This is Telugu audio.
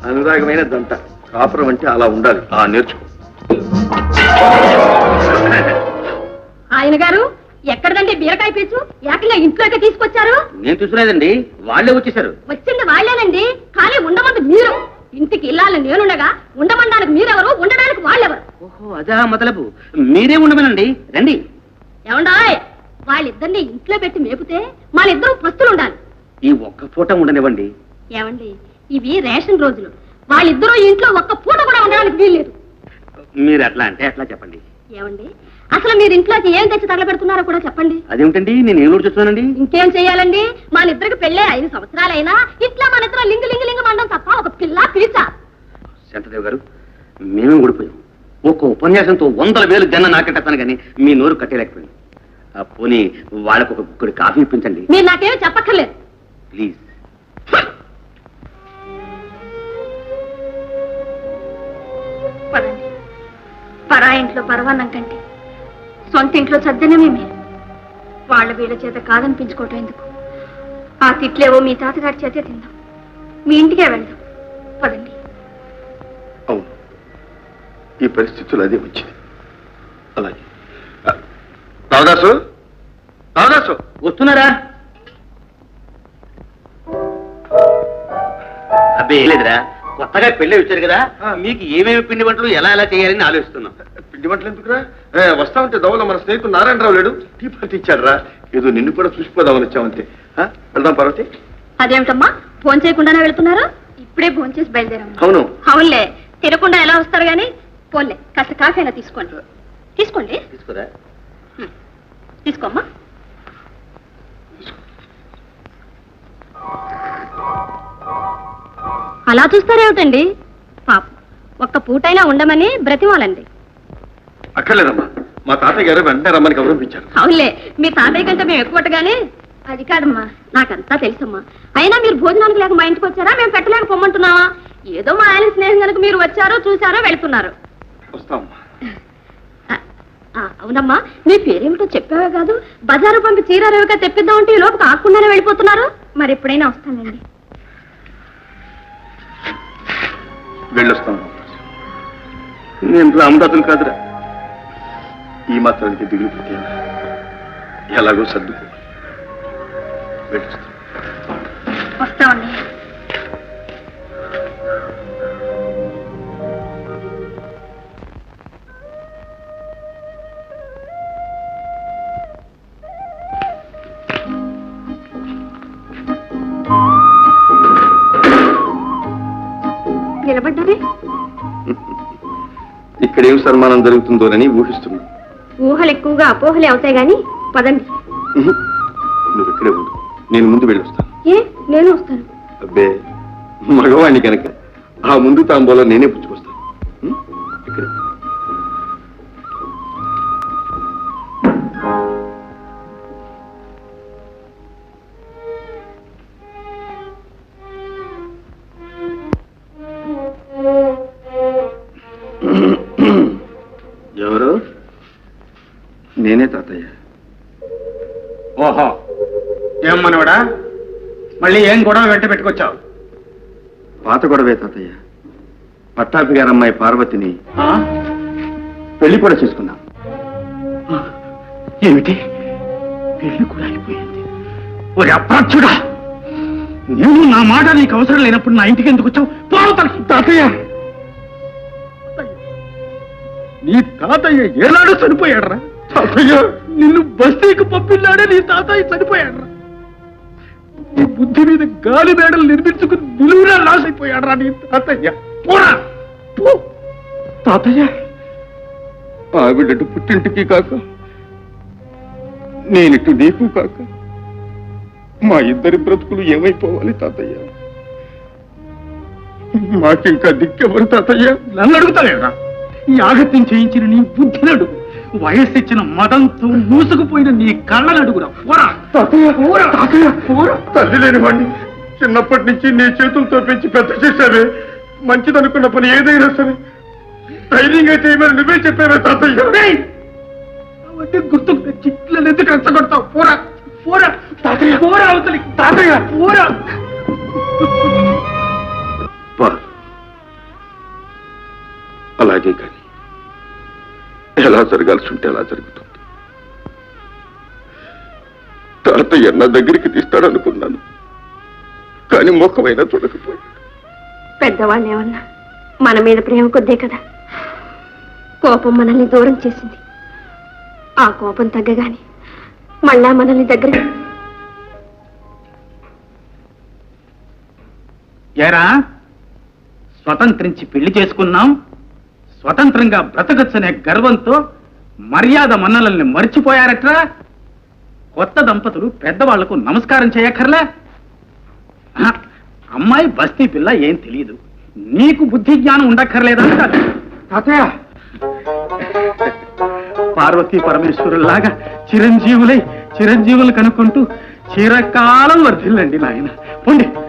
అనురాగమైన దంట. కాపురం అంటే అలా ఉండాలి. నేర్చుకో. ఆయన గారు ఎక్కడదండి బీరకాయ పీచు? ఏకంగా ఇంట్లోకి తీసుకొచ్చారు. నేను చూసుకునేదండి, వాళ్ళే వచ్చేసారు. వచ్చింది వాళ్ళేనండి, కానీ ఉండమంది మీరు. ఇంటికి ఇల్లాలని నేనుండగా ఉండమనడానికి మీరెవరు, ఉండడానికి వాళ్ళెవరు? ఓహో, అదా మొదలపు. మీరే ఉండమనండి, రండి. ఏమండాయ్, వాళ్ళిద్దరిని ఇంట్లో పెట్టి మేపితే వాళ్ళిద్దరూ పస్తులు ఉండాలి. ఈ ఒక్క పూట ఉండనివ్వండి. ఏమండి, ఇవి రేషన్ రోజులు. వాళ్ళిద్దరూ ఇంట్లో ఒక్క పూట కూడా ఉండడానికి వీల్లేదు. మీరు ఎట్లా అంటే అట్లా చెప్పండి. ఏమండి, అసలు మీరు ఇంట్లోకి ఏం తెచ్చి తగలబెడుతున్నారో కూడా చెప్పండి. అదేమిటండి, నేను ఏం చూస్తున్నానండి? ఇంకేం చెయ్యాలండి, మన ఇద్దరికి పెళ్ళే 5 సంవత్సరాలైనా ఇట్లా మన ఇద్దరు లింగు లింగు లింగు మండం తప్ప ఒక పిల్ల పిలిచా. శంతదేవ్ గారు, మేమే ఊడిపోయాం. ఒక్క ఉపన్యాసంతో 100,000 జన్న నాకెట్టాను కానీ మీ నోరు కట్టేలేకపోయింది. పోనీ వాళ్ళకు ఒక గుక్కడి కాఫీ ఇప్పించండి. మీరు నాకేమీ చెప్పక్కర్లేదు, ప్లీజ్. పదండి. పరా ఇంట్లో పరవాన్నం కంటే సొంత ఇంట్లో సద్దనమే మీరు. వాళ్ళ వీళ్ళ చేత కాదనిపించుకోవటం ఎందుకు? ఆ తిట్లేవో మీ తాతగారి చేతే తిందాం, మీ ఇంటికే వెళ్దాం. పదండి. అవును, ఈ పరిస్థితులు అదే వచ్చింది. అలాగే. రావదాసు, రావదాసు వస్తున్నారా? అబ్బే లేదురా, కొత్తగా పెళ్ళి వచ్చారు కదా, మీకు ఏమేమి పిండి వంటలు ఎలా ఎలా చేయాలని ఆలోచిస్తున్నాం. పిండి వంటలు ఎందుకురా? వస్తా ఉంటే దవల మన స్నేహితుడు నారాయణరావు లేడు, టీ పార్టీ ఇచ్చాడు రా. ఏదో నిన్ను కూడా చూసిపోదామని వచ్చామంతే. వెళ్దాం పార్వతి. అదేమిటమ్మా, ఫోన్ చేయకుండానే వెళ్తున్నారు? ఇప్పుడే ఫోన్ చేసి బయలుదేరమ్మా. అవును. అవునులే, తినకుండా ఎలా వస్తారు గాని. పోన్లే, కాస్త కాఫీ అయినా తీసుకోండి. తీసుకోండి. తీసుకురా. తీసుకోమ్మా. అలా చూస్తారేమిటండి? పాప ఒక్క పూటైనా ఉండమని బ్రతిమాలండి. అక్కర్లేదమ్మా, మా తాతయ్య గారు వెంటనే రమ్మని గౌరవించారు. అవునులే, మీ తాతయ్య కంటే మేము ఎక్కువగానే. అది కాదమ్మా, నాకంతా తెలుసమ్మా. అయినా మీరు భోజనానికి లేక మా ఇంటికి వచ్చారా, మేము పెట్టలేక పొమ్మంటున్నావా? ఏదో మా ఆయన స్నేహం కనుక మీరు వచ్చారో చూసారో వెళ్తున్నారు. వస్తామమ్మా. అవునమ్మా, మీ పేరేమిటో చెప్పావే కాదు, బజారు పంపి చీర రేవుగా తెప్పిద్దామంటే ఈ లోపు కాకుండానే వెళ్ళిపోతున్నారు. మరి ఎప్పుడైనా వస్తానండి. వెళ్ళొస్తాం. నేను రామదాసులు కాదురా, ఈ మాత్రానికి దిగులు పెట్టాను. ఎలాగో సర్దుకో. వెళ్ళొస్తాం. వస్తామండి. నిలబడ్డారే? ఇక్కడేం సన్మానం జరుగుతుందోనని ఊహిస్తున్నా. ఊహలు ఎక్కువగా అపోహలే అవుతాయి గాని పదండి. నువ్వు ఇక్కడే ఉండు, నేను ముందు వెళ్ళొస్తాను. ఏ, నేను వస్తాను. అబ్బే, మగవాణ్ణి కనుక ఆ ముందు తాంబోలో నేనే పుచ్చుకొస్తాను. ఇక్కడే. ఎవరు? నేనే తాతయ్య. ఓహో, ఏం మనవడా, మళ్ళీ ఏం గొడవ వెంట పెట్టుకొచ్చావు? పాత గొడవే తాతయ్య. పట్టాపి గారు అమ్మాయి పార్వతిని పెళ్లి కూడా చేసుకున్నాం. ఏమిటి, పెళ్లి కూడా అయిపోయింది? ఓ అప్రాచ్యుడా, నేను నా మాట నీకు అవసరం లేనప్పుడు నా ఇంటికి ఎందుకు వచ్చావు? తాతయ్య, నీ తాతయ్య ఏనాడు చనిపోయాడరా? తాతయ్య, నిన్ను బస్తీకి పంపిన్నాడే నీ తాతయ్య చనిపోయాడరా? నీ బుద్ధి మీద గాలి మేడలు నిర్మించుకుని నిలువునా లాస్ అయిపోయాడరా నీ తాతయ్య. పోరా పో. తాతయ్య, ఆవిడటు పుట్టింటికి కాక, నేనిటు నీకు కాక, మా ఇద్దరి బ్రతుకులు ఏమైపోవాలి తాతయ్య? మాకింకా దిక్కెవరు తాతయ్య? నన్ను అడుగుతావేరా? ఈ ఆగత్యం చేయించిన నీ బుద్ధిని అడుగు, వయస్సు ఇచ్చిన మదంతో మూసుకుపోయిన నీ కళ్ళను అడుగురా. పోరా తాతయ్య, పోరా తాతయ్య, పోరా. తల్లి లేనివాడిని చిన్నప్పటి నుంచి నీ చేతులతో పెంచి పెద్ద చేశావే. మంచిదనుకున్న పని ఏదైనా సరే ధైర్యంగా చేయమని నువ్వే చెప్పావే తాతయ్య. అవన్నీ గుర్తుకు తెచ్చి ఇట్లా ఎందుకు రెచ్చగొడతావు? పోరా పోరా తాతయ్య, పోరా అవతలి. తాతయ్య, పోరా. అలాగే కానీ ఎలా జరగాల్సి ఉంటే అలా జరుగుతుంది. తాతయ్య నా దగ్గరికి తీస్తాడనుకున్నాను, కానీ ముఖమైనా చూడకపోయాడు. పెద్దవాళ్ళు ఏమన్నా మన మీద ప్రేమ కొద్దే కదా. కోపం మనల్ని దూరం చేసింది. ఆ కోపం తగ్గగానే మళ్ళా మనల్ని దగ్గర. ఏరా, స్వతంత్రించి పెళ్లి చేసుకున్నాం, స్వతంత్రంగా బ్రతకచ్చనే గర్వంతో మర్యాద మన్నలల్ని మర్చిపోయారట్రా. కొత్త దంపతులు పెద్దవాళ్లకు నమస్కారం చేయక్కర్లే. అమ్మాయి బస్తీ పిల్ల ఏం తెలియదు, నీకు బుద్ధి జ్ఞానం ఉండక్కర్లేదంటారు. తాతయ్య, పార్వతీ పరమేశ్వరులాగా చిరంజీవులు కనుక్కుంటూ చిరకాలం వర్ధిల్లండి నాయన. పొండి.